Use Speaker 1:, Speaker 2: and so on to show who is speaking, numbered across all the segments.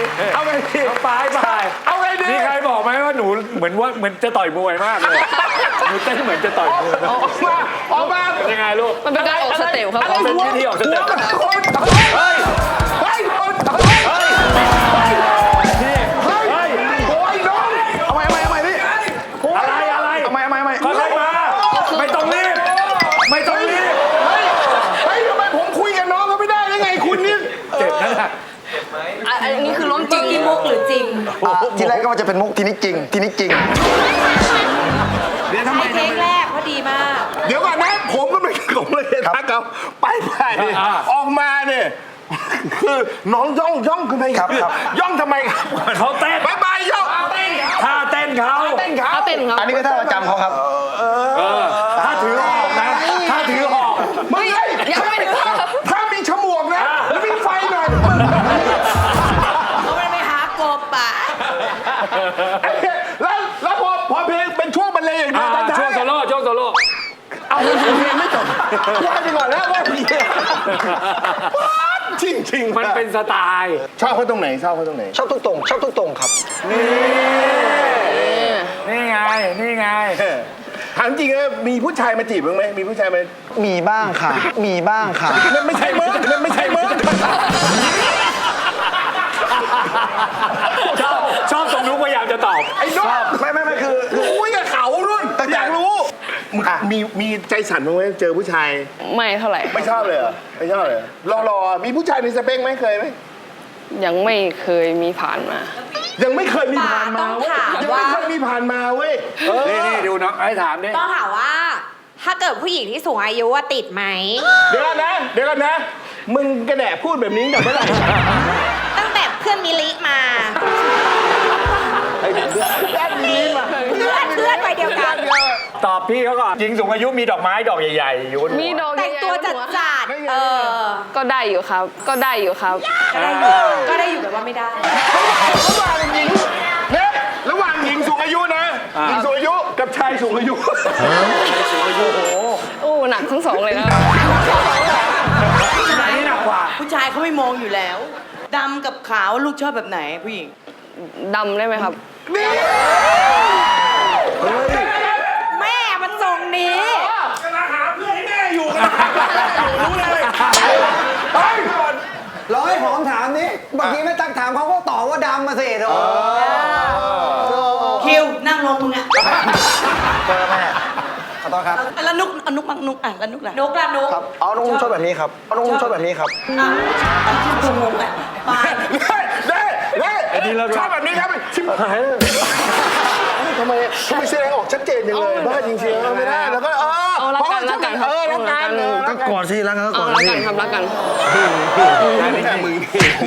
Speaker 1: เอาไงดีไปเอาไงดีมีใครบอกไหมว่าหนูเหมือนจะต่อยมวยมากเลยหนูเต้นเหมือนจะต่อยมวยออกมาเป็นยังไงลูก
Speaker 2: มันเป็นการออกสเต็ปครับ
Speaker 1: เป็นวิธีออกสเต็ปเฮ้ยเฮ้ยเฮ้ยเฮ้ยโอ้ยน้องเอาใหม่พี่อะไรเอาใหม่ค่อยๆมาไม่ต้องรีบเฮ้ยทำไมผมคุยกับน้องเขาไม่ได้ยังไงคุณนี่เจ็บนั่นแหละ
Speaker 2: อันนี้คือล้มจริง
Speaker 3: มุกหรือจริง
Speaker 4: ทีแรกก็ว่าจะเป็นมุกทีนี้จริงเ
Speaker 3: ดี๋ยวทำไมเทคแรกก็ดีมาก
Speaker 1: เดี๋ยวก่อนนะผมก็ไม่ผมเลยทักเขาไปออกมาเนี่ยคือน้องย่องทำไมครับย่องทำไมครับเขาเต้นบายย่องท่าเต้นเขา
Speaker 4: อันนี้ก็ท่าประจำเขาครับ
Speaker 1: ถ้าถือหอกนะถ้าถือหอก
Speaker 2: ไม่ยังไม่ถึง
Speaker 1: ถ้ามีฉมวกนะแล้วมีไฟหน่อย
Speaker 3: เขาไม่หากบป่ะ
Speaker 1: แล้วพอเพลงเป็นช่วงบรรเลงช่วงโซโล่เอาเพลงไม่จบว่าไปก่อนแล้วว่าจริงมันเป็นสไตล์ชอบเขาตรงไหน
Speaker 4: ชอบทุกตรงครับ
Speaker 1: นี่ไงถามจริงเลยมีผู้ชายมาจีบบ้างไหมมีผู้ชายมา
Speaker 4: มีบ้างค่ะ
Speaker 1: ไม่ใช่เมิร์ดชอบตรงนู้นพยายามจะตอบไอ้น้องไม่คือคุยกับเขารุ่นแต่อยากรู้มีใจสั่นบ้างไหมเจอผู้ชาย
Speaker 2: ไม่เท่าไหร่
Speaker 1: ไม่ชอบเลยเหรอไม่ชอบเลยรอมีผู้ชายในสเปคไหมเคยไหม
Speaker 2: ยังไม่เคยมีผ่านมา
Speaker 1: ยังไม่เคยมีผ่านมาเว้ยนี่ดูน้องไอ้ถามดิ
Speaker 3: ต้องถามว่าถ้าเกิดผู้หญิงที่สูงอายุว่าติดไหม
Speaker 1: เดี๋ยวก่อนนะมึงกระแดะพูดแบบนี้ตั้งแต่เมื่อไหร่
Speaker 3: ตั้งแต่เพื่อนมิลิมา
Speaker 1: เ
Speaker 3: พื่อนไปเดียวกัน
Speaker 1: ตอบพี่เขาก่อนหญิงสูงอายุมีดอกไม้ดอกใหญ่ๆอยู่
Speaker 2: มีดอก
Speaker 3: แต่งตัวจัด
Speaker 2: ก็ได้อยู่ครับ
Speaker 3: ก็ได้อยู่แบบว่าไม่ได้
Speaker 1: ระหว่างหญิงสูงอายุนะหญิงสูงอายุกับชายสูงอายุ
Speaker 2: โอ้หนักทั้งสองเลยนะ
Speaker 3: ไหนหนักกว่าผู้ชายเขาไม่มองอยู่แล้วดำกับขาวลูกชอบแบบไหนผู้หญิง
Speaker 2: ดำได้ไหมครับ
Speaker 3: แม่มันทรงนี้
Speaker 1: กำลังหาเพื่อนให้แม่อยู่รู้เลย
Speaker 4: ร้อยผมถามนี้เมื่อกี้ไม่ตั้งถามเขาก็ตอบว่าดำมาสิ
Speaker 3: คิวนั่งลงมึงอ่ะ
Speaker 4: เจอแม่ขอโทษครับ
Speaker 3: แล้วนุกแล้วนุก
Speaker 4: ครับนุกชอบแบบนี้ครับนุกชอบแบบนี้ครับ
Speaker 3: ชื่อนุกอ่ะไป
Speaker 1: ชอบแบบนี้ครับชิบหายทำไมแสดงออกชัดเจนอย่างเลยบ้าจริงๆไม่ได้แล้วก็
Speaker 2: รักกัน
Speaker 4: ก็ก่อนสิรักกันก่อน
Speaker 2: ครับรักกัน
Speaker 1: นี่แค่มึง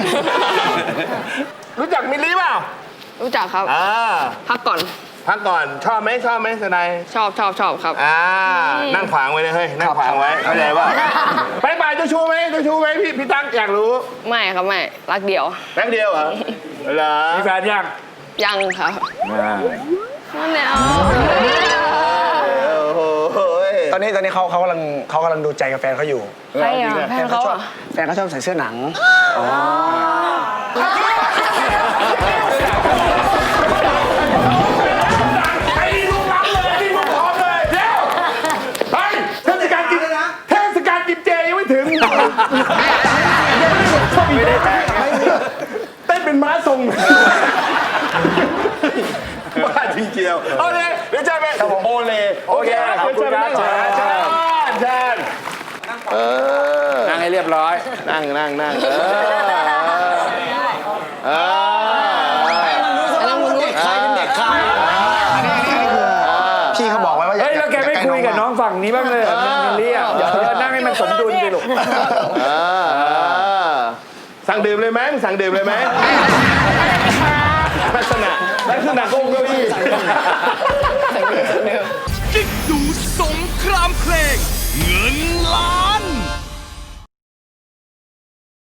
Speaker 1: รู้จักมิลลี่เปล่า
Speaker 2: รู้จักครับพักก่อน
Speaker 1: ชอบไหมสนาย
Speaker 2: ชอบครับ
Speaker 1: นั่งขวางไว้เลยเฮ้ยนั่งขวางไว้เข้าใจป่ะไปเจ้าชู้ไหมพี่ตั้งอยากรู้
Speaker 2: ไม่ครับไม่รักเดียว
Speaker 1: เหรอมีแฟน
Speaker 2: ยังครับนั่นแหละ
Speaker 4: ตอนนี้เขากำลังดูใจกับแฟนเขาอยู่
Speaker 2: ใช่แฟนเขา
Speaker 4: ชอบใส่เสื้อหนัง
Speaker 1: ไม่ได้เต้นเป็นม้าทรงบ้าจริงเกียวโอเคเดี๋ยวเจอกันโอเล่โอเคขอบคุณครับเชิญนั่งให้เรียบร้อยนั่ง
Speaker 4: ใครเป็นเด็กใครพี่เขาบอกไว้ว่า
Speaker 1: แล้วแกไม่คุยกับน้องฝั่งนี้บ้างเลยมิลลี่นั่งให้มันสมดุลดิลูกสั่งดื่มเลยไหมลักษณะโกงเก้าอี้
Speaker 5: กิ๊กดูสงครามเพลงเงินล้าน